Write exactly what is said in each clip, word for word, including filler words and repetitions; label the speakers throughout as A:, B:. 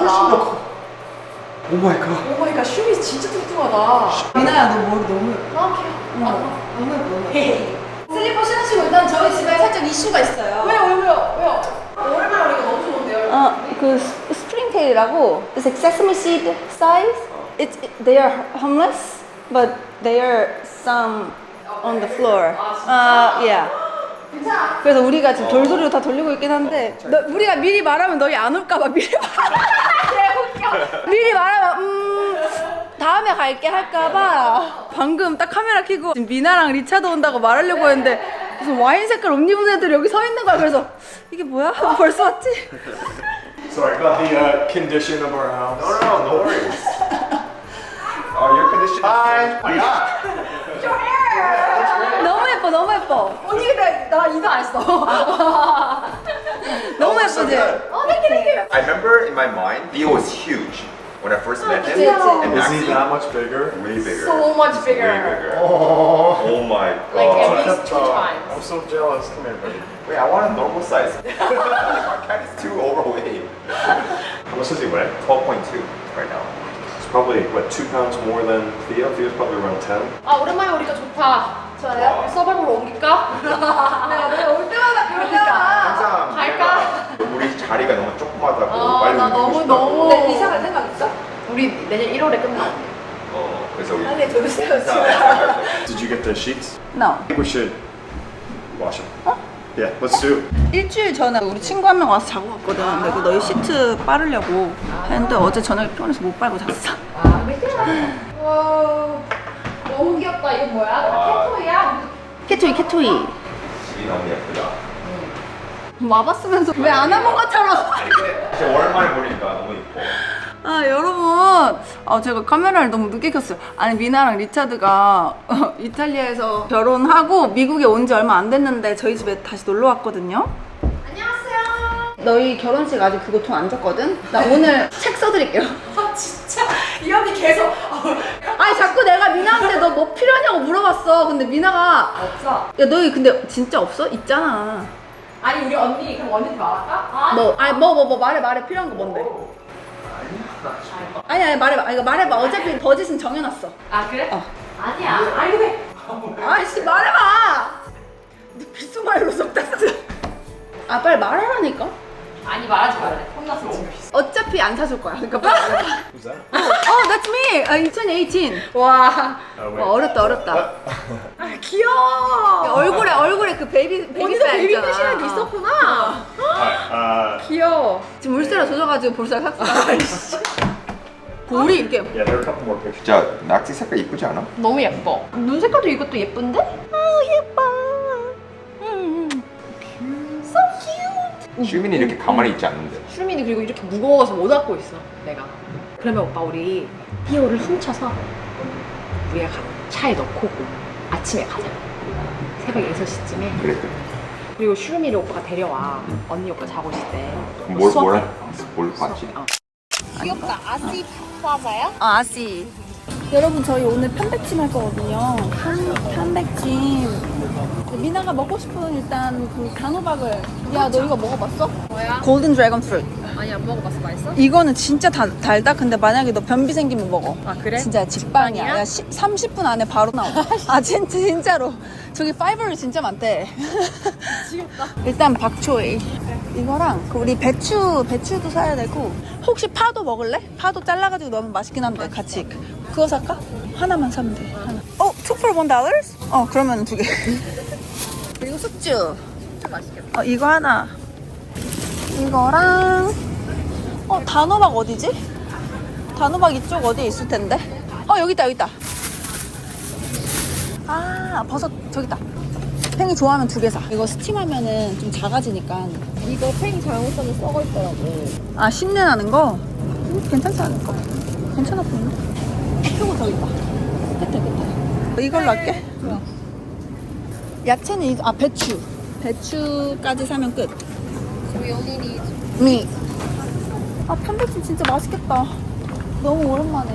A: 오 마이 갓.
B: 오 마이 갓, 슈미 진짜 뚱뚱하다. 미나야, 너 머리 너무 예뻐. 아, 귀여워. 아, 너무 예뻐, 너무 예뻐. 슬리퍼 신으시고 일단 저희 집에 살짝 이슈가 있어요. 왜요, 왜요, 왜요? 왜요? 오랜만에 오니까 너무 좋은데요?
C: 어, 그 스프링테일이라고 It's like sesame seed size. It's, it, they are homeless, but they are some on the floor. 아, yeah.
B: 괜찮아.
C: 그래서 우리가 지금 돌돌이로 다 돌리고 있긴 한데 너, 우리가 미리 말하면 너희 안 올까봐 미리 말 미리 말하면 음 다음에 갈게 할까봐 방금 딱 카메라 켜고 지금 미나랑 리차드 온다고 말하려고 했는데 무슨 와인 색깔 옷 입은 애들이 여기 서 있는 거야. 그래서 이게 뭐야? 벌써 왔지?
A: Sorry about the uh, condition of our house.
D: No, no, no, no worries. Oh, your condition. Hi. My God.
C: 너무 예뻐 너무 예뻐.
B: 언니 근데 나 인사 안 했어.
C: 너무
D: so
C: 예쁘지?
D: good.
B: 어, 땡큐, 땡큐.
D: I remember in my mind, Theo was huge when I first met him.
C: 그치, 그치.
D: And
A: Is he
D: Maxie,
A: that much bigger?
D: way bigger.
B: So much
D: He's
B: bigger.
D: Way bigger.
A: Oh.
D: Oh my
B: Like at
D: God.
B: least two times.
A: I'm so jealous. Come here, buddy.
D: Wait, I want a normal size. My cat is too overweight.
A: How much does he weigh?
D: twelve point two right now.
A: It's probably, what, two pounds more than Theo? Theo's probably around ten.
B: 아, 오랜만에 오니까 좋다. 좋아요? 서버으로 옮길까? 내가 내가 올 때마다 그럴 때마다
D: 항상
B: 갈까?
D: 내가 우리 자리가 너무 조그마하다고
B: 아,
D: 빨리
B: 나
D: 옮기고
B: 너무
D: 싶다고.
B: 너무. 근데 이사 갈 생각 있어? 우리 내년 일월에 끝나.
D: 어, 그래서 우리
B: 빨리 들으세요,
D: 이사
B: 지금.
D: 갈 거예요.
A: Did you get the sheets?
C: No.
A: I think we should wash them. Yeah, let's do it.
C: 일주일 전에 우리 친구 한 명 와서 자고 갔거든. 근데 그 너희 시트 빠르려고 했는데 어제 저녁에 피곤해서 못 빨고 잤어.
B: 아, 와, 너무 귀엽다. 이거 뭐야?
D: 와.
B: 캣토이야?
C: 캐토이 캐토이.
D: 집이 너무 예쁘다.
C: 와봤으면서 왜 안 와본 것처럼.
D: 아니 근데 진짜 오랜만에 보니까 너무 예뻐.
C: 아 여러분, 아 제가 카메라를 너무 늦게 켰어요. 아니 미나랑 리차드가 어, 이탈리아에서 결혼하고 미국에 온 지 얼마 안 됐는데 저희 집에 다시 놀러 왔거든요.
B: 안녕하세요.
C: 너희 결혼식 아직 그거 돈 안 줬거든? 나 오늘 책 써드릴게요.
B: 아, 진짜 이 언니 계속
C: 아니 자꾸 내가 미나한테 너 뭐 필요하냐고 물어봤어. 근데 미나가
B: 없어.
C: 야 너희 근데 진짜 없어? 있잖아.
B: 아니 우리 언니 그럼 언니한테 말할까? 아,
C: 뭐 아니 뭐 뭐 뭐 말해 말해 필요한 거 뭔데? 아니 아니 말해봐. 아니, 이거 말해봐. 어차피 버짓은 정해놨어.
B: 아 그래?
C: 어.
B: 아니야. 아니 근데
C: 아이씨 말해봐. 너 귓속말로 쏙 땄어. 아 빨리 말하라니까.
B: 아니 말하지 말래. 혼났어 지금.
C: 어차피 안 사줄 거야. 그러니까 빨리 말해봐.
A: Who's that?
C: 어, that's me. 아, 이천십팔.
B: 와.
A: Oh, wait.
C: 와, 어렵다 어렵다.
B: 아 귀여워.
C: 얼굴에 얼굴에 그 베이비 베이비
B: 언니도
C: 살
B: 베이비
C: 있잖아.
B: 패션이
C: 어.
B: 있었구나.
A: Alright, uh,
B: 귀여워.
C: 지금 물세라 조져가지고 볼살 삭삭. 볼이 이렇게
A: yeah, there are a couple more pictures.
D: 진짜 낙지 색깔 이쁘지 않아?
B: 너무 예뻐. 눈 색깔도 이것도 예쁜데?
C: 아 예뻐. 음.
B: So cute.
D: 슈민이 이렇게 가만히 있지 않는데.
B: 슈민이 그리고 이렇게 무거워서 못 안고 있어. 내가. 그러면 오빠 우리 피오를 훔쳐서 우리가 가, 차에 넣고 아침에 가자. 새벽 여섯 시쯤에.
D: 그래 그래.
B: 그리고 슈미를 오빠가 데려와. 언니 오빠 자고 있을 때.
D: 뭘
B: 수업해.
D: 뭐라? 뭘 봤지?
B: 어. 귀엽다. 아시 플라자야?
C: 아 아씨. 여러분 저희 오늘 편백찜 할 거거든요. 편, 편백찜. 미나가 먹고 싶은 일단 그 단호박을. 야 너 이거 먹어봤어?
B: 뭐야?
C: 골든 드래곤 프루트.
B: 아니 안 먹어봤어. 맛있어?
C: 이거는 진짜 다, 달다. 근데 만약에 너 변비 생기면 먹어.
B: 아 그래?
C: 진짜 직방이야.
B: 직방이야?
C: 야, 시, 삼십 분 안에 바로 나와. 아 진짜 진짜로. 저기 파이버를 진짜 많대.
B: 미치겠다.
C: 일단 박초이. 이거랑 그 우리 배추 배추도 사야 되고 혹시 파도 먹을래? 파도 잘라가지고 넣으면 맛있긴 한데 같이 그거 살까? 하나만 사면 돼. 하나. 어, two for one dollars? 어, 그러면 두 개. 그리고 숙주.
B: 진짜 맛있겠다.
C: 어, 이거 하나. 이거랑 어, 단호박 어디지? 단호박 이쪽 어디에 있을 텐데. 어, 여기 있다, 여기 있다. 아, 버섯 저기 있다. 팽이 좋아하면 두 개 사. 이거 스팀하면은 좀 작아지니까.
B: 이거 팽이 잘못 사면 썩어 있더라고.
C: 아, 신내 나는 거? 음, 괜찮지 않을까? 괜찮아 보이네. 아, 표고 저기 있다. 끝에, 끝에. 이걸로 할게.
B: 좋아.
C: 야채는 이거, 아, 배추. 배추까지 사면 끝.
B: We only need.
C: 미. 아, 편백찜 진짜 맛있겠다. 너무 오랜만에.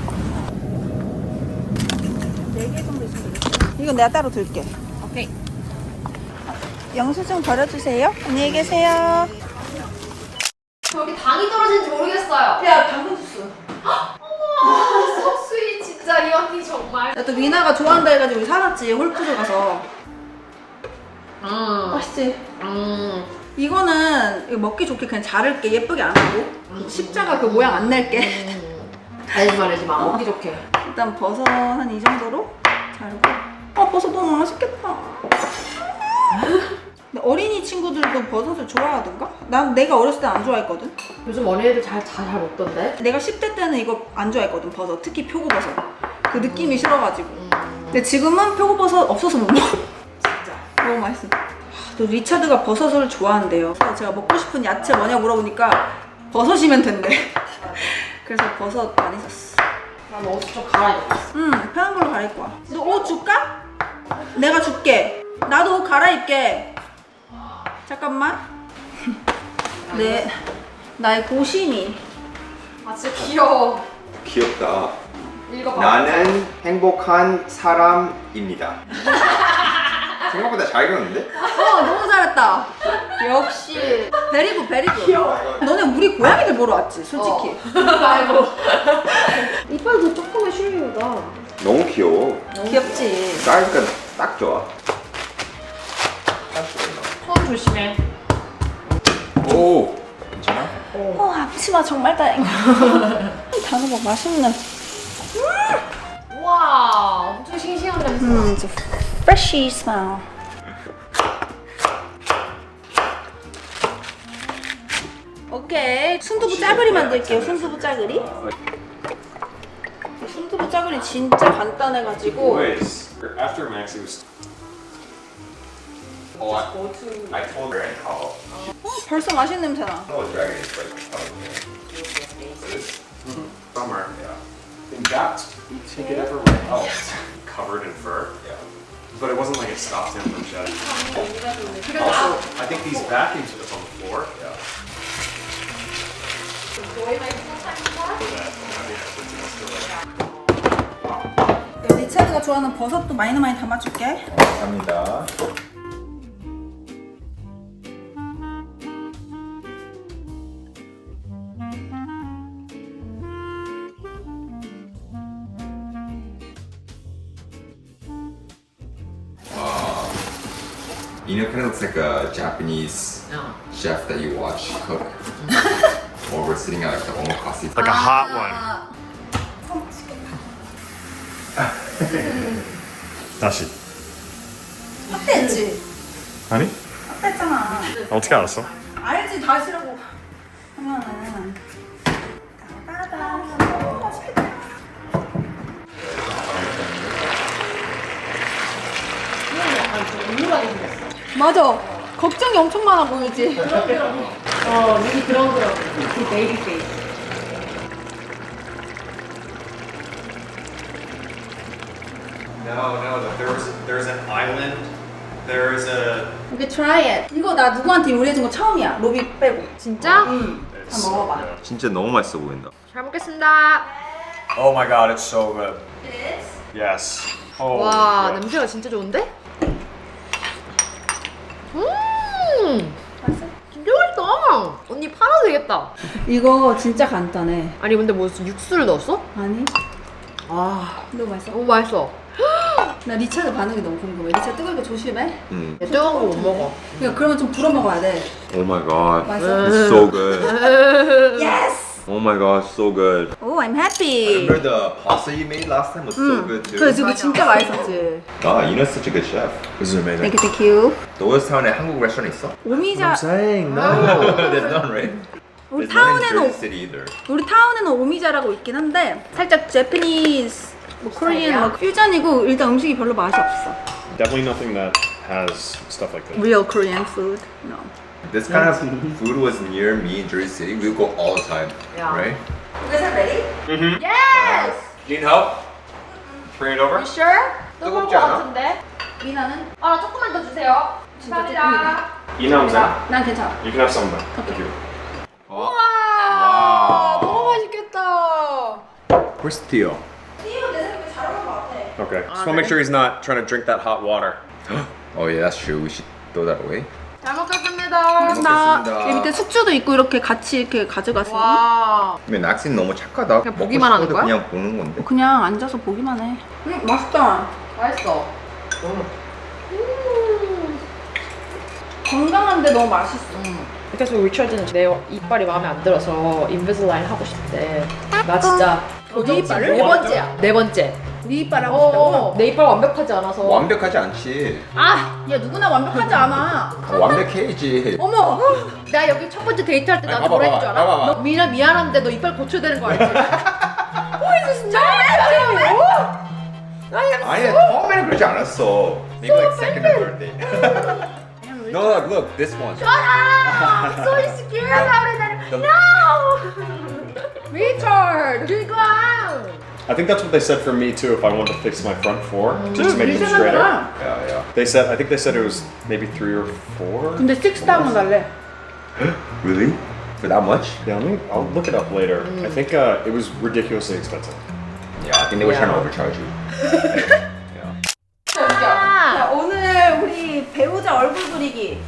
C: 네 개 정도 있으면 되겠다. 이건 내가 따로 들게.
B: 오케이.
C: 영수증 버려주세요. 안녕히 계세요.
B: 저기 당이 떨어지는지 모르겠어요.
C: 야 당근 주스.
B: 어머, 속수이 진짜 이 언니 정말.
C: 야 또 미나가 좋아한다 해가지고 우리 사놨지 홀푸드 가서.
B: 음,
C: 맛있지?
B: 음.
C: 이거는 이거 먹기 좋게 그냥 자를게 예쁘게 안 하고 십자가 그 모양 안 낼게.
B: 알지 말지 마. 먹기 좋게.
C: 일단 버섯 한 이 정도로 자르고. 아 버섯 너무 맛있겠다. 근데 어린이 친구들도 버섯을 좋아하던가? 난 내가 어렸을 때 안 좋아했거든.
B: 요즘 어린애들 잘 잘 잘 먹던데.
C: 내가 십 대 때는 이거 안 좋아했거든 버섯. 특히 표고버섯. 그 느낌이 싫어가지고. 근데 지금은 표고버섯 없어서 못 먹어.
B: 진짜.
C: 너무 맛있어. 또 리차드가 버섯을 좋아한대요. 그래서 제가 먹고 싶은 야채 뭐냐 물어보니까 버섯이면 된대. 그래서 버섯 많이 샀어.
B: 난 옷을 좀 갈아입었어.
C: 응, 편한 걸로 갈아입고 와. 너 옷 줄까? 내가 줄게. 나도 옷 갈아입게. 잠깐만. 네, 나의 고심이.
B: 아 진짜 귀여워.
D: 귀엽다.
B: 읽어봐.
D: 나는 행복한 사람입니다. 생각보다 잘 그렸는데?
C: 어, 너무 잘했다. 역시. 베리굿, 베리굿. 귀여워. 너네 우리 고양이들 보러 왔지, 솔직히.
B: 아이고. 이빨도 조금의 슈리우다.
D: 너무 귀여워.
C: 귀엽지.
D: 사이즈가 딱 좋아.
B: 손 조심해.
D: 오, 괜찮아?
C: 어, 앞치마 정말 다행이야. 단호박 맛있네.
B: 우와, 엄청 싱싱한 냄새.
C: 음, it's a freshy smell. 오케이, 순두부 짜글이 만들게요. 순두부 짜글이. 순두부 짜글이 진짜 간단해가지고.
A: Boys, after Max, he was.
D: Oh, I, I told her and call.
C: 어, 벌써 맛있는 냄새 나.
D: I know what dragon is, but
A: Summer. Yeah. In that, we take it everywhere else. Covered in fur.
D: yeah.
A: But it wasn't like it stopped him from shedding. Also, I think these vacuums that's on the floor. Yeah.
C: 리차드가 좋아하는 버섯도 많이 많이 담아줄게.
D: 감사합니다. You know, kind of looks like a Japanese
B: 어.
D: chef that you watch cook. Or we're sitting at like the omakase.
A: Like a hot one. 다시.
C: 확대했지?
A: 아니?
C: 확대했잖아.
A: 어떻게 알았어?
C: 알지, 다시라고 하면은. 따다다. 맛있겠다.
B: 우울하게 생겼어.
C: 맞아. 걱정이 엄청 많아 보이지?
B: 어, 눈이 그런 그런. 그 베이비 페이스.
A: No, no. There's there's an island. There's a.
C: 이게 try it. 이거 나 누구한테 요리해준 거 처음이야. 로비 빼고.
B: 진짜?
C: 응.
A: It's,
C: 한번 먹어봐.
A: yeah.
D: 진짜 너무 맛있어 보인다.
B: 잘 먹겠습니다.
A: Oh my god, it's so good. Yes. Oh.
B: 와, 냄새가 진짜 좋은데? 음,
C: 맛있어?
B: 진짜 맛있다. 언니 팔아도 되겠다.
C: 이거 진짜 간단해.
B: 아니 근데 무슨 육수를 넣었어?
C: 아니?
B: 아,
C: 너무 맛있어.
B: 너무 맛있어.
C: 나 리차드 반응이 너무 궁금해. 리차드 뜨거운 거 조심해.
D: 음.
B: 야, 뜨거운 거 못 먹어.
C: 그러니까 그러면 좀 불어 먹어야 돼.
D: Oh my god.
C: 맛있어?
D: It's so good.
C: Yes!
D: Oh my god, so good.
C: Oh, I'm happy.
D: Remember the pasta you made last time was so good too.
C: 그래, 지금 진짜 맛있었지.
D: Ah, you know such a good chef.
A: This is amazing.
C: Thank you, thank you.
D: 노을타운에 한국 레스토랑 있어?
C: 오미자.
A: saying
D: There's none, right?
C: 우리
D: There's none in
C: 타운에는
D: Jersey City either.
C: 우리 타운에는 오미자라고 있긴 한데 살짝 제프니스, 뭐 코리안, 뭐 퓨전이고 일단 음식이 별로 맛이 없어.
A: Definitely nothing that has stuff like this.
C: Real Korean food. No.
D: This kind of food was near me in Jersey City. We would go all the time,
B: Yeah.
D: right?
C: You guys are ready?
B: Yes!
A: Need help? Bring it over.
B: You sure? 뜨거울 것
D: 뜨겁지 않아?
B: 같은데?
C: 미나는?
B: 아, 나 조금만 더 주세요.
C: 진짜
B: 감사합니다.
A: You know what I'm saying?
C: 난 괜찮아.
A: You can have some of that. Thank you.
B: 와, 너무 맛있겠다.
A: Where's Theo?
C: 띠오 내 생각에 잘 어울릴 것 같아.
A: Okay. Just want to make sure he's not trying to drink that hot water.
D: Oh yeah, that's true. We should throw that away.
B: 잘 먹겠습니다. 감사합니다.
C: 나
D: 먹겠습니다.
C: 여기 밑에 숙주도 있고 이렇게 같이 이렇게 가져갔어.
B: 와.
D: 근데 낙신 너무 착하다.
B: 그냥
D: 먹고
B: 보기만 하는
D: 싶어도
B: 거야?
D: 그냥 보는 건데.
C: 그냥 앉아서 보기만 해. 음, 맛있다.
B: 맛있어.
C: 건강한데 너무 맛있어.
B: 그래서 리처드는 내 이빨이 마음에 안 들어서 인비슬라인 하고 싶대. 나 진짜
C: 네 이빨을?
B: 네 번째야. 네 번째.
C: 네 이빨 하고
B: 어,
C: 싶다고?
B: 내 이빨 완벽하지 않아서.
D: 완벽하지 않지.
C: 아, 야 누구나 완벽하지 않아.
D: 완벽해야지.
C: 어머.
B: 나 여기 첫 번째 데이트할 때
D: 아니,
B: 나한테
D: 봐봐,
B: 뭐라 했는 줄 알아?
D: 봐봐, 봐봐.
B: 너 미나 미안한데 너 이빨 고쳐야 되는 거 알지?
C: 진짜?
D: 아니 처음에는 그러지 않았어. Maybe like second or third day. No, look, look, this one.
C: I'm so insecure about it. No. Richard. 지금.
A: I think that's what they said for me too. If I wanted to fix my front four, just to make them straighter.
D: Yeah, yeah.
A: They said I think they said it was maybe three or four.
C: 근데 식스타운 달래.
D: Really? For that much?
A: Yeah, let me, I'll look it up later. I think uh, it was ridiculously expensive.
D: Yeah, I think they were trying to overcharge you.
C: 자, 오늘 우리 배우자 얼굴 그리기.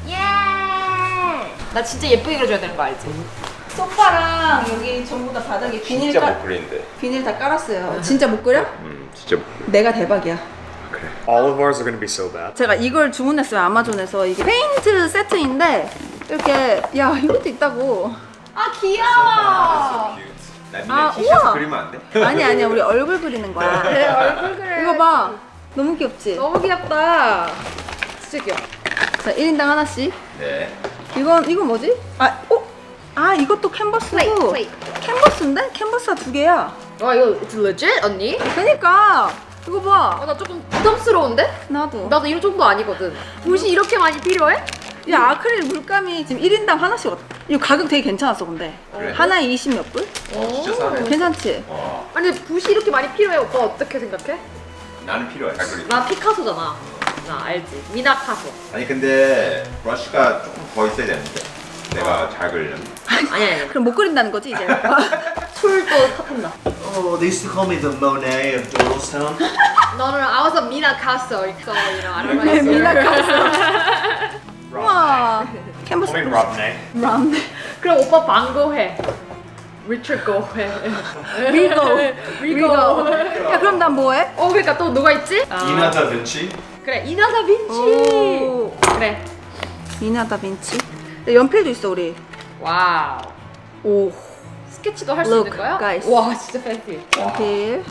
B: 나 진짜 예쁘게 그려줘야 되는 거 알지?
C: 소파랑 여기 전부 다 바닥에 비닐
D: 진짜
C: 깔
D: 못 그리는데.
C: 비닐 다 깔았어요. 진짜 못 그려?
D: 음, 진짜 못 그려.
C: 내가 대박이야.
D: 그래.
A: All of ours are going to be so bad.
C: 제가 이걸 주문했어요 아마존에서. 이게 페인트 세트인데 이렇게 야 이것도 있다고. 아 귀여워.
D: 나
C: 아,
D: 니네 티셔츠
C: 우와.
D: 그리면 안 돼?
C: 아니 아니야 우리 얼굴 그리는 거야.
B: 내 얼굴 그래.
C: 이거 봐. 너무 귀엽지?
B: 너무 귀엽다. 진짜 귀여워.
C: 자 일 인당 하나씩.
D: 네.
C: 이건 이건 뭐지? 아, 어? 아 이것도 캔버스고.
B: 플레이,
C: 캔버스인데? 캔버스가 두 개야.
B: 와 이거 it's legit 언니?
C: 그러니까 이거 봐.
B: 아, 나 조금 부담스러운데?
C: 나도.
B: 나도 이런 정도 아니거든. 붓이 이렇게 많이 필요해?
C: 야 아크릴 물감이 지금 일 인당 하나씩 왔다. 이거 가격 되게 괜찮았어 근데.
D: 그래?
C: 하나에 이십 몇 불?
D: 어, 진짜 싸네.
C: 괜찮지?
D: 와,
B: 아니 붓이 이렇게 많이 필요해. 오빠 어떻게 생각해?
D: 나는 필요해. 잘 그리.
B: 나 피카소잖아. 나 알지? 미나카소.
D: 아니 근데 브러쉬가 조금 더 있어야 되는데. 내가 잘 그리려면.
B: 아니 아니.
C: 그럼 못 그린다는 거지 이제.
B: 술도 타탄다.
E: Oh, they used to call me the Monet of Doodlestown.
B: 너는 I was a 미나카소. So you know I don't know.
C: 미나카소. 우와. 캔버스.
A: I mean, Rob Nay.
C: 브라운.
B: 그럼 오빠 방고 해. 리처드 고 해.
C: 리고.
B: 리고.
C: 야 그럼 난 뭐해?
B: 어 그러니까 또 누가 있지?
A: Ina Da Vinci.
B: 그래 이나다 빈치.
C: 오.
B: 그래.
C: 미나 다빈치. 근데 연필도 있어 우리.
B: 와우.
C: 오.
B: 스케치도 할 수
C: Look,
B: 있는 거야?
C: guys.
B: 와 진짜 팬티.
C: 연필.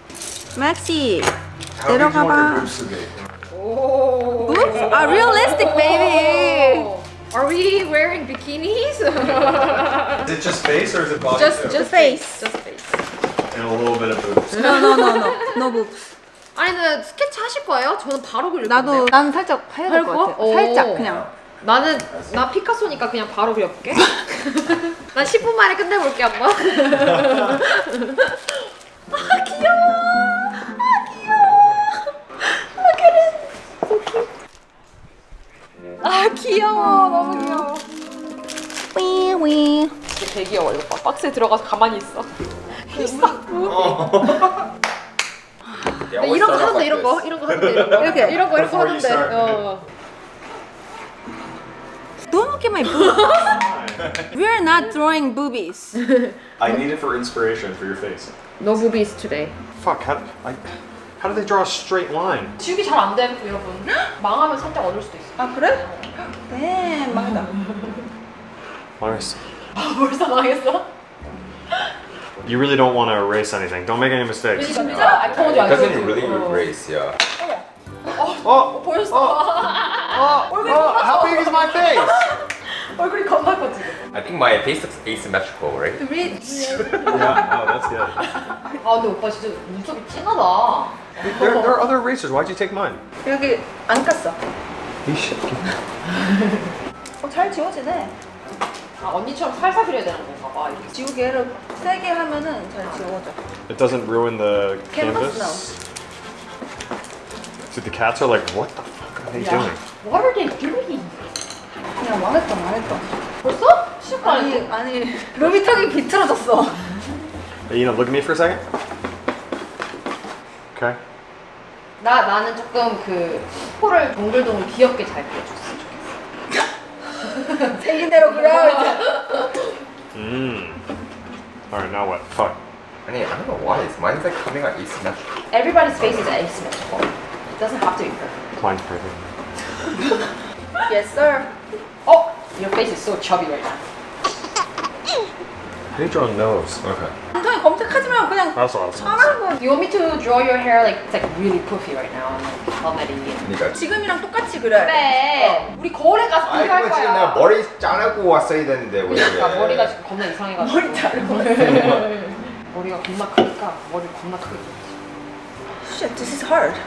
C: 맥시.
D: How big do you want your
C: 내려가봐.
D: boobs to be?
B: 오.
C: Boobs? 아 realistic baby.
B: Are we wearing bikinis?
A: Is it just face or is it body
B: just
A: too?
B: just
C: face.
B: Just face.
A: And a little bit of boobs.
C: No no no no. No boobs.
B: 아니 근데 스케치 하실 거예요? 저는 바로 그릴
C: 나도
B: 건데.
C: 난 살짝 해야 될 것
B: 할 거?
C: 같아.
B: 오.
C: 살짝 그냥.
B: 나는 나 피카소니까 그냥 바로 그려볼게. 난 십 분 만에 끝내볼게 한번.
C: 아 귀여워. 아 귀여워. 아 귀여워. 너무 귀여워. 윙윙.
B: 되게 귀여워 이거 봐. 박스에 들어가서 가만히 있어.
D: Yeah,
B: 이런 거
D: always start off
B: 하는데
D: like
B: 이런 거
D: this.
B: 이런 거 하는데 이런 거
C: 이렇게.
B: 이런 거 이런 거
A: Before you
B: 하는데.
A: start.
B: 어.
C: Don't look at my boobs. We are not drawing boobies.
A: I need it for inspiration for your face.
B: No boobies today.
A: Fuck, how, I, how do they draw a straight line?
B: 지우기 잘 안 돼, 여러분. 망하면 살짝 얻을 수도 있어.
C: 아 그래? 네 망했다.
A: Honest.
B: 벌써 망했어?
A: You really don't want to erase anything. Don't make any mistakes.
B: 진짜? I told you, I told
D: Doesn't
B: you.
D: it really erase? Yeah.
A: Oh!
B: 벌써.
A: Oh! Oh! How big is my face?
B: 얼굴이 겁나 커지.
D: I think my face looks asymmetrical, right?
C: Rich.
A: Yeah, oh, that's good.
B: 아 근데 오빠 진짜 눈썹이 진하다.
A: There, there are other erasers. Why'd you take mine?
C: 여기 안 깠어.
A: You should.
C: 어, 잘 지워지네.
B: 아 언니처럼 살살 그려야 되는 건가 봐. 이렇게.
C: 지우개를 세게 하면은 잘 지워져.
A: It doesn't ruin the
C: Canvas?
A: canvas? So the cats are like, what the fuck are they doing?
B: What are they doing?
C: 그냥 망했다 망했다.
B: 벌써? 시작 안
C: 아니
B: 했대.
C: 아니 루비턱이 비틀어졌어.
A: Hey, you know, look at me for a second. Okay.
B: 나 나는 조금 그 코를 동글동글 귀엽게 잘 그려줬으면 좋겠어.
C: 생긴 대로 그려 이제.
A: Mmm. Alright, now what? Fuck.
D: I mean, I don't know why. It's, mine's like coming out asymmetrical.
B: Everybody's face is asymmetrical. It doesn't have to be perfect.
A: Mine's perfect.
C: Yes sir.
B: Oh, your face is so chubby right now.
A: I draw a nose. Okay.
C: 한통이 검색하지 말고 그냥
A: That's what I was
C: 잘하는 거.
B: You want me to draw your hair like it's like really poofy right now? I'm like,
D: 그러니까.
C: 지금이랑 똑같이 그려야 돼.
B: 그래. 우리 거울에 가서
D: 아이,
B: 비교할
D: 그거 지금 내가
B: 거야.
D: 머리 자르고 왔어야 되는데 왜
B: 그러니까
D: 그래?
B: 머리가 지금 겁나 이상해가지고. 머리 자르고. 머리가 겁나 크니까 머리 겁나 크게.
C: Shit, this is hard.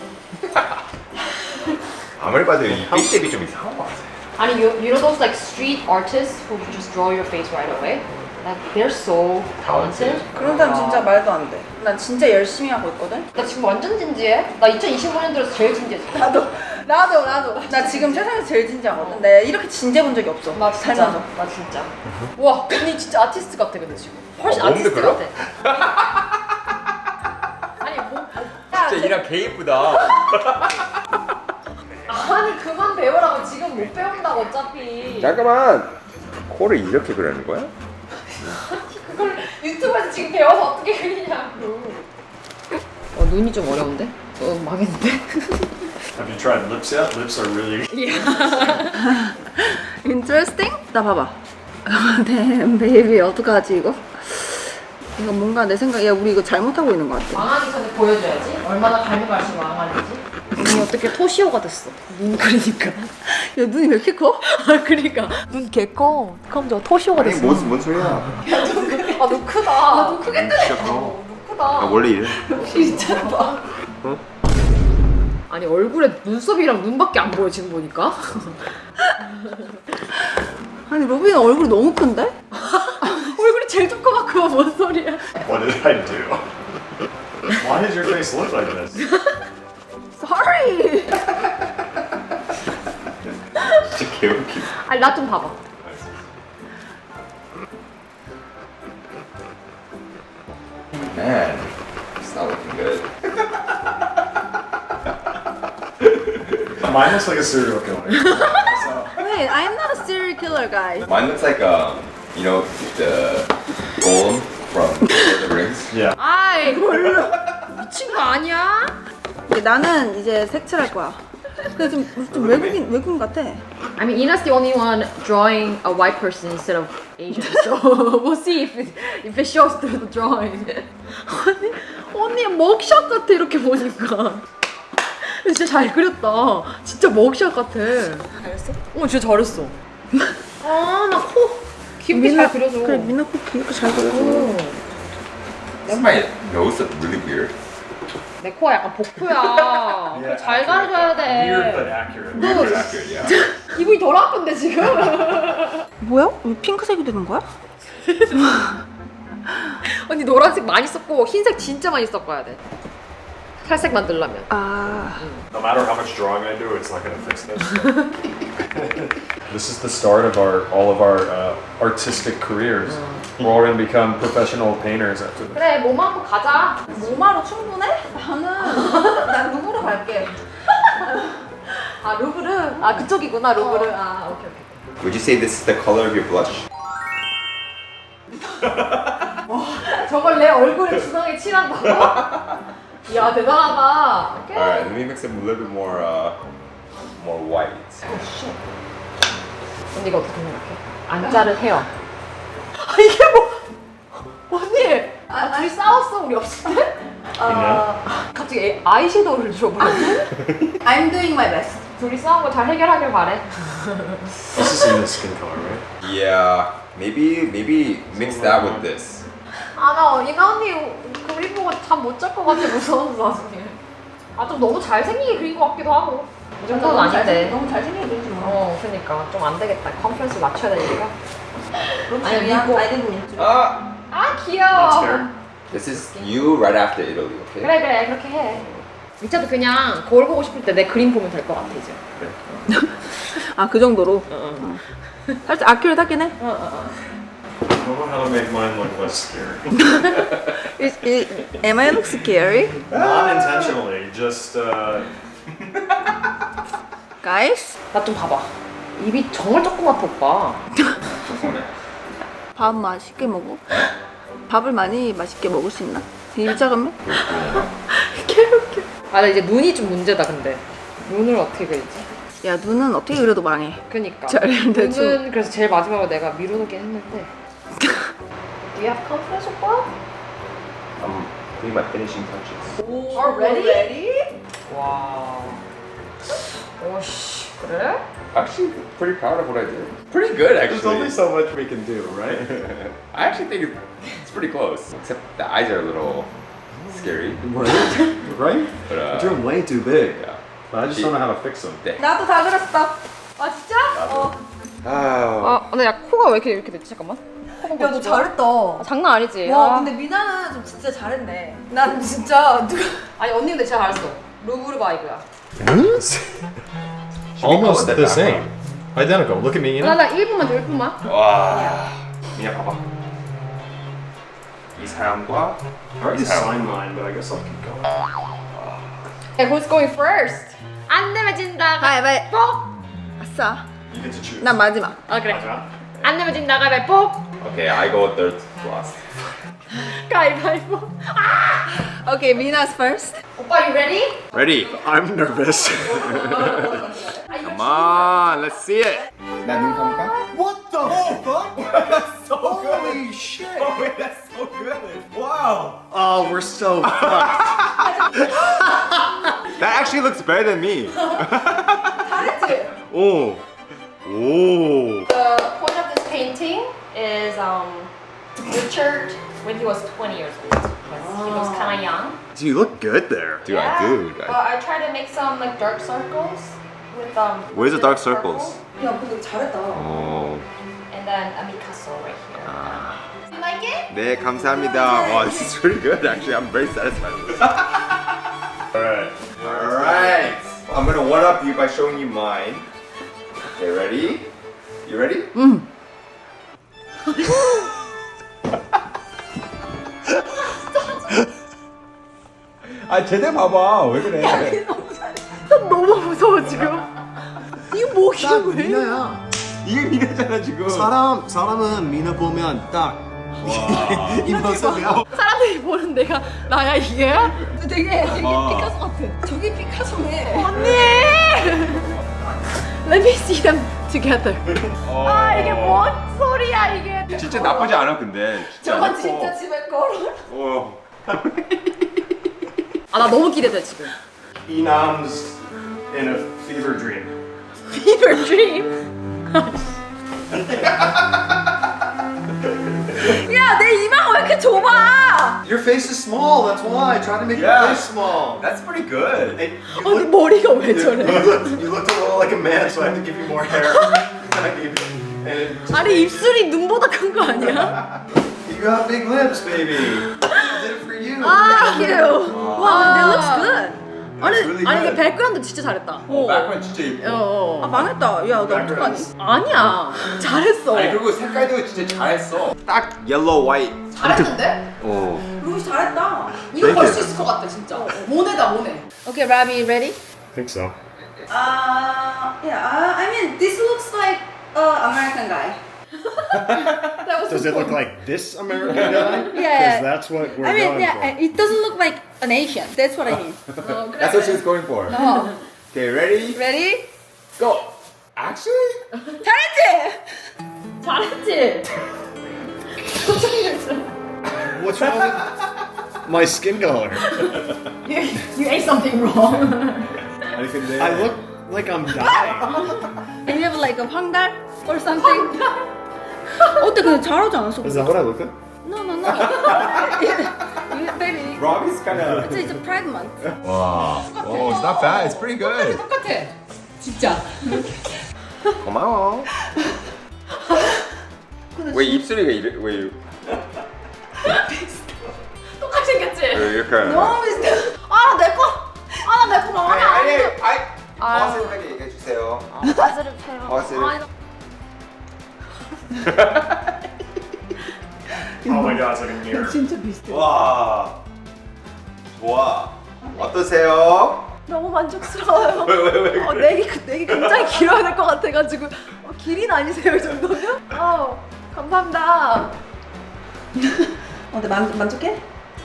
D: 아무리 봐도 이 빅쉐입이 좀 이상한 것 같아.
B: 아니, you, you know those like street artists who just draw your face right away? Like, they're so talented.
C: 그런 사람 진짜 말도 안 돼. 난 진짜 열심히 하고 있거든.
B: 나 지금 완전 진지해. 나 이천이십오 년 들어서 제일 진지해.
C: 나도 나도 나도. 나 지금 세상에서 제일 진지하거든. 내가 이렇게 진지해 본 적이 없어.
B: 나 진짜.
C: 살면서.
B: 나 진짜. 와, 언니 진짜 아티스트 같아 근데 지금. 훨씬
D: 어, 몸도
B: 아티스트
D: 그려?
B: 같아. 아니 뭐?
D: 진짜 이랑 개 이쁘다.
B: 아니 그만 배우라고 지금 못 배운다고 어차피.
D: 잠깐만. 코를 이렇게 그리는 거야?
B: 그걸 유튜브에서 지금 배워서 어떻게 그리냐고. 어 눈이 좀 어려운데? 어 망했는데?
A: Have you tried lips yet? Lips are really.
C: Interesting? 나 봐봐. Damn, baby 어떡하지 이거? 이거 뭔가 내 생각에 야 우리 이거 잘못하고 있는 것 같아.
B: 망하기 전에 보여줘야지. 얼마나 갈면 갈수록 망하는지. 눈이 어떻게 토시오가 됐어. 눈 그리니까.
C: 야 눈이 왜 이렇게 커?
B: 아 그러니까 눈 개 커. 그럼 저 토시오가
D: 아니
B: 됐어.
D: 뭔, 뭔 소리야?
B: 아 눈 크다. 아, 눈 크게 뜨네.
D: 진짜 커.
B: 눈 크다.
D: 아, 원래 이래.
B: 진짜 봐. 아니 얼굴에 눈썹이랑 눈밖에 안 보여 지금 보니까.
C: 아니 로빈 얼굴이 너무 큰데?
B: 얼굴이 제일 조그맣고 뭔 소리야?
A: What did I do? Why does your face look like this?
C: Sorry.
D: 진짜 개웃기.
B: 아니 나 좀 봐봐.
D: Man, it's not looking good.
A: Mine looks like a serial killer.
C: Wait, I'm not a serial killer guy.
D: Mine looks like um, you know, the golem from Lord of the Rings.
A: Yeah.
B: 아이 미친 거 아니야?
C: 이게 나는 이제 색칠할 거야. 근데 좀, 좀 외국인 외국인 같아.
B: I mean, Ina's the only one drawing a white person instead of Asian, so we'll see if it, if it shows through the drawing. 언니, 언니 먹샷 같아 이렇게 보니까. 진짜 잘 그렸다. 진짜 먹샷 같아.
C: 잘했어?
B: 어, 진짜 잘했어. 아, 나 코 귀엽게 잘 그려줘.
C: 그래 민나 코 귀엽게 잘 그려줘.
D: Does my nose look really weird?
B: 내 코가 약간 복부야. 그래, 잘 가려줘야
A: Weird but
B: 돼.
A: accurate.
D: Weird, accurate, yeah.
B: 기분이 덜 아픈데 지금.
C: 뭐야? 왜 핑크색이 되는 거야?
B: 언니 노란색 많이 썼고 흰색 진짜 많이 섞어야 돼. 살색 만들려면.
C: 아,
A: No matter how much drawing I do, it's not gonna fix this. This is the start of our all of our uh, artistic careers. We're all gonna become professional painters after this.
B: 그래, 몸 한번 가자.
C: 모마로 충분해? 나는 난 루브로 갈게.
B: 아 루브르? 아 그쪽이구나 루브르. 아 오케이 오케이.
D: Would you say this is the color of your blush?
B: 저걸 내 얼굴에 주황에 칠한다고? 이야 대단하다. 오케이.
D: Alright, let me mix it a little bit more, uh, more white.
B: 언니 이거 어떻게 생각해? 안 자른 헤어. 아 이게 뭐? 언니. 아 둘이 싸웠어 우리 없을 때? 아 갑자기 애- 아이섀도우를 줘버렸네.
C: I'm doing my best.
B: 둘이 싸운 거 잘 해결하길 바래.
A: This is in the skin color, right?
D: Yeah, maybe, maybe mix that with this.
B: 아나 이나 언니 그림 보고 잠 못 잘 것 같아 무서워서 나중에. 아 좀 너무 잘생기게 그린 것 같기도 하고. 이 정도는 아닌데.
C: 너무 잘생기게 그리지 마.
B: 어 그러니까 좀 안 되겠다. 컨퍼런스 맞춰야 되니까.
C: 아니
B: 아니,
C: 미안,
B: 이거-
C: I didn't mean to.
D: Ah,
B: 아
A: That's
B: 귀여워.
A: fair.
D: this is you right after Italy, okay?
B: 그래 그래 그렇게 해. 미차도 그냥 거울 보고 싶을 때 내 그림 보면 될 것 같아 이제.
C: 아, 그 정도로.
B: 어,
C: 살짝 아큐레트하긴 해.
B: 어, 어, 어.
A: I don't know how to make mine look less scary.
C: Is, is, am I look scary?
A: Not intentionally, just uh,
C: Guys?
B: 나 좀 봐봐. 입이 정말 조그맣다 오빠.
C: 밥 맛있게 먹어. 밥을 많이 맛있게 먹을 수 있나? 입 작으면? 개웃겨.
B: 아 나 이제 눈이 좀 문제다 근데. 눈을 어떻게 그리지?
C: 야 눈은 어떻게 그려도 망해.
B: 그니까.
C: 잘 대충.
B: 눈은 그래서 제일 마지막으로 내가 미루긴 했는데. Do you have confidence 오빠?
D: I'm doing my finishing touches.
B: 오, already? 와. 오씨 그래?
D: Actually, pretty proud of what I did. Pretty good,
A: There's only
D: actually.
A: so much we can do, right?
D: I actually think it's, it's pretty close. Except the eyes are a little scary.
A: Right? Right?
D: But uh,
A: You're doing way too big.
D: yeah.
A: But I just don't know how to fix them.
D: 네.
C: 나도 다 그렸어. 아 진짜? 어.
D: 아,
B: 아 근데 야 코가 왜 이렇게 이렇게 됐지 잠깐만.
C: 야 너 잘했다.
B: 아, 장난 아니지.
C: 와
B: 아.
C: 근데 미나는 좀 진짜 잘했네. 난 진짜 누가
B: 아니 언니 근데 진짜 잘했어. 루브르 바이브야.
A: Almost
D: that
A: the
D: back
A: same. Identical. Look at me, you know?
B: 나나 일 분만 줘 일 분만.
D: 와, 그냥 봐봐. 이 사람과
A: I already
D: 이 사람.
A: signed mine, but I guess I'll keep going.
B: Hey, who's going first? 안 내면 진다.
C: 가위바위보. 아싸.
A: You get to choose.
C: 난 마지막.
B: 아 그래. 안 내면 진다 가위바위보.
D: Okay, I go third last.
B: 가위바위보.
C: Okay, Mina's first.
B: 오빠, you ready?
D: Ready?
A: I'm nervous.
D: Come on, let's see it. 나눈 감을까?
E: What the fuck? That's so good. Holy shit. Oh, wait, that's so good. Wow.
A: Oh, we're so fucked.
D: That actually looks better than me.
B: 잘했지?
D: 오, 오.
B: The point of this painting is um Richard when he was twenty years old. He was kind of young.
A: Do you look good there?
D: Dude, I do.
B: But I try to make some like dark circles with um.
D: Where's the dark
B: purple.
D: circles?
C: 야 근데 잘했다.
D: 오.
B: And then a Picasso right here. You like it?
D: 네, 감사합니다. Wow, this is pretty good. Actually, I'm very satisfied with this.
A: All right.
D: All right. I'm gonna one up you by showing you mine. Okay, ready? You ready?
C: 응.
D: 아, 제대로 봐봐. 왜 그래?
C: 너무 무서워 지금. 이거 목이
E: 딱
C: 왜?
E: 미나야.
D: 이게 미래잖아 지금.
E: 사람 사람은 미나 보면 딱 이 모습이야.
C: 사람들이 보는 내가 나야 이게? 되게 되게 피카소 같아. 저기 피카소네. 언니. Let me see them together. 아 이게 뭔 소리야 이게?
D: 진짜 나쁘지 않아 근데. 진짜
C: 저건
D: 예뻐.
C: 진짜 집에 걸어.
D: 어.
B: 아 나 너무 기대돼 지금.
A: Enam's in a fever dream.
B: Fever dream.
C: 야 내 이마가 왜 이렇게 좁아?
E: Your face is small. That's why. Try to make
D: Yeah.
E: your face small.
D: That's pretty good.
E: And you,
C: 어네
E: look,
C: 머리가 왜 저래?
E: you, looked, you looked a little like a man, so I had to give you more hair. I gave you, and
C: 아니 입술이 눈보다 큰 거 아니야?
E: you got big lips, baby. I did it for you.
C: 아, thank you. 와, that looks good. 아니,
D: really
B: 아니
D: good.
B: 근데 백그라운드 진짜 잘했다.
D: 어, 백그라운드 진짜 예뻐.
B: 어.
C: 아 망했다. 야, 나 어떡하니?
B: 아니야. 잘했어.
D: 아니 그리고 색깔도 진짜 잘했어. 딱 옐로우 화이트.
B: 잘했는데?
D: 어.
C: 루이 잘했다.
B: 이거 걸 수 있을 것 같아 진짜. 모네다 모네. Okay, Rabi, ready?
A: I think so.
C: Uh, yeah. Uh, I mean, this looks like uh, American guy.
B: That was
A: Does it look like this American guy? Because
C: Yeah.
A: that's what we're
C: I mean,
A: going
C: yeah.
A: for.
C: It doesn't look like an Asian. That's what I mean.
D: That's what she's going for.
C: 어.
D: Okay, ready?
C: Ready?
D: Go. Actually?
C: 잘했지?
B: 잘했지.
A: What's wrong with my skin color?
B: You, you ate something wrong.
D: 아니 근데
A: I look like I'm dying.
C: And you have like a 황달 or something? 어때? 근데 잘하지 않았어?
A: Is that what I look like?
C: No, no, no. You- Baby,
D: Robbie's kind of.
C: it's, it's a Pride month.
D: 와. Oh, it's not bad. It's pretty good.
B: 똑같아. 진짜.
D: 고마워. 왜 입술이가 이래? 왜 이래?
B: 똑같이 생겼지?
D: 왜 이렇게?
C: 너무 비슷해. 아, 내 거. 아, 나 내 거 마음에 안
D: 아니,
C: 들어.
D: 아니.
B: 아유.
D: 어색하게 얘기해 주세요.
C: 바지를 펴요.
D: 어색해.
C: 아니,
A: Oh my god, it's like a mirror.
C: 진짜 비슷해.
D: 와. 좋아. 어떠세요?
C: 너무 만족스러워요.
D: 왜, 왜, 왜?
C: 어, 내기 내기 굉장히 길어야 될 것 같아가지고 어, 길인 아니세요 이 정도면? 아 감사합니다. 어, 네 만 만족해?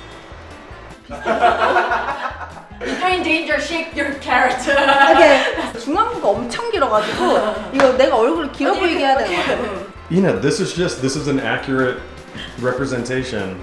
B: If you're in danger, shake your carrot.
C: 이게 중앙부가 엄청 길어가지고 이거 내가 얼굴을 길어 보이게 해야 되는 것 같아.
A: Ina, this is just this is an accurate representation.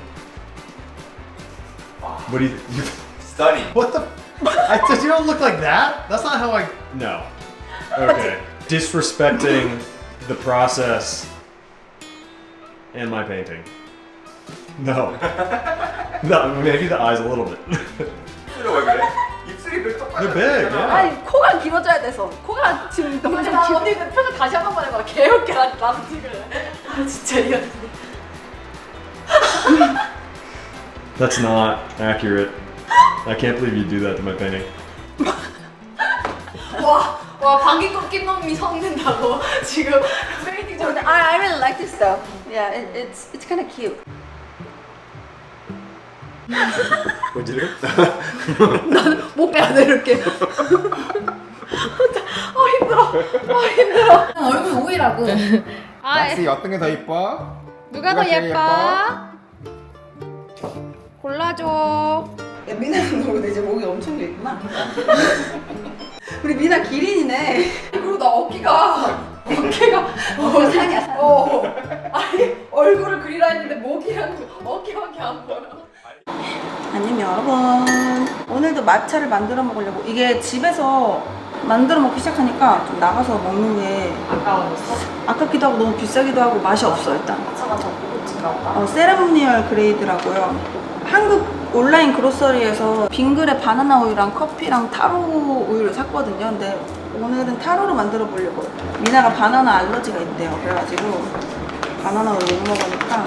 A: What do you? you
D: Stunning.
E: What the? I you don't look like that. That's not how I.
A: no. Okay. Disrespecting the process and my painting. No. No. Maybe the eyes a little bit.
D: 입술이 왜 그래? 입술이 왜 똑같아?
A: They're big. Yeah.
C: 아니 코가 길어져야 돼서 코가 지금 너무 좀
B: 나
C: 길어.
B: 언니 그 표정 다시 한 번만 해봐. 개웃겨. 나 나도 지금. 아 진짜 이거.
A: That's not accurate. I can't believe you do that to my painting.
B: 와, 와 방귀 꺾인 놈이 성낸다고 지금 페인팅 좀.
C: I I really like this though. Yeah, it, it's it's kind of cute.
A: What'd you do?
C: 못 빼야 돼 이렇게. 어 힘들어. 어 힘들어.
B: 얼굴 오이라고.
C: 아
D: 낚시 어떤 게 더 이뻐?
C: 누가 더
D: 제일
C: 예뻐? 골라줘. 야 미나는 너 이제 목이 엄청 길구나. 우리 미나 기린이네.
B: 그리고 나 어깨가 어깨가
C: 어 산이야 산.
B: 어 아니 얼굴을 그리라 했는데 목이랑 어깨밖에 안 보여.
C: 안녕 여러분. 오늘도 마차를 만들어 먹으려고. 이게 집에서 만들어 먹기 시작하니까 좀 나가서 먹는 게
B: 아까웠어?
C: 아깝기도 하고 너무 비싸기도 하고 맛이 없어 일단.
B: 차가 더 고급진가 보다.
C: 어, 세레모니얼 그레이드라고요. 한국 온라인 그로서리에서 빙그레 바나나 우유랑 커피랑 타로 우유를 샀거든요. 근데 오늘은 타로로 만들어 보려고. 미나가 바나나 알러지가 있대요. 그래가지고 바나나 우유 못 먹으니까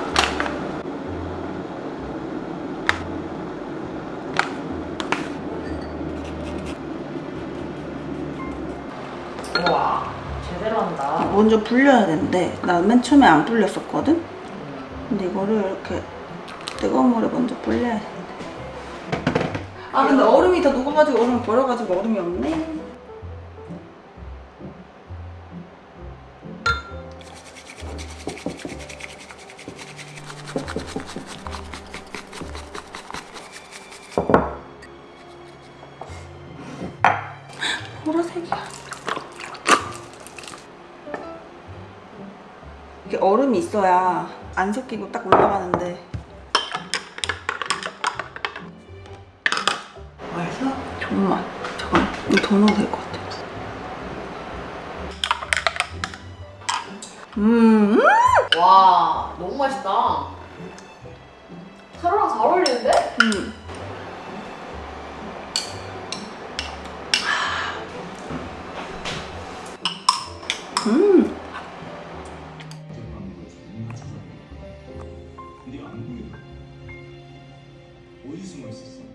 B: 우와 제대로 한다.
C: 먼저 불려야 되는데 나 맨 처음에 안 불렸었거든? 근데 이거를 이렇게 뜨거운 물에 먼저 불려야 돼. 아 근데 얼음이 다 녹아가지고 얼음 버려가지고 얼음이 없네. 보라색이야. 이렇게 얼음이 있어야 안 섞이고 딱 올라가는데. 맛있어? 정말. 잠깐만. 이거 더 넣어도 될 것 같아. 음.
B: 와 너무 맛있다. 타로랑 잘 어울리는데?
C: 음. 음.
E: 네가 안 보여. 어디 숨어 있었어?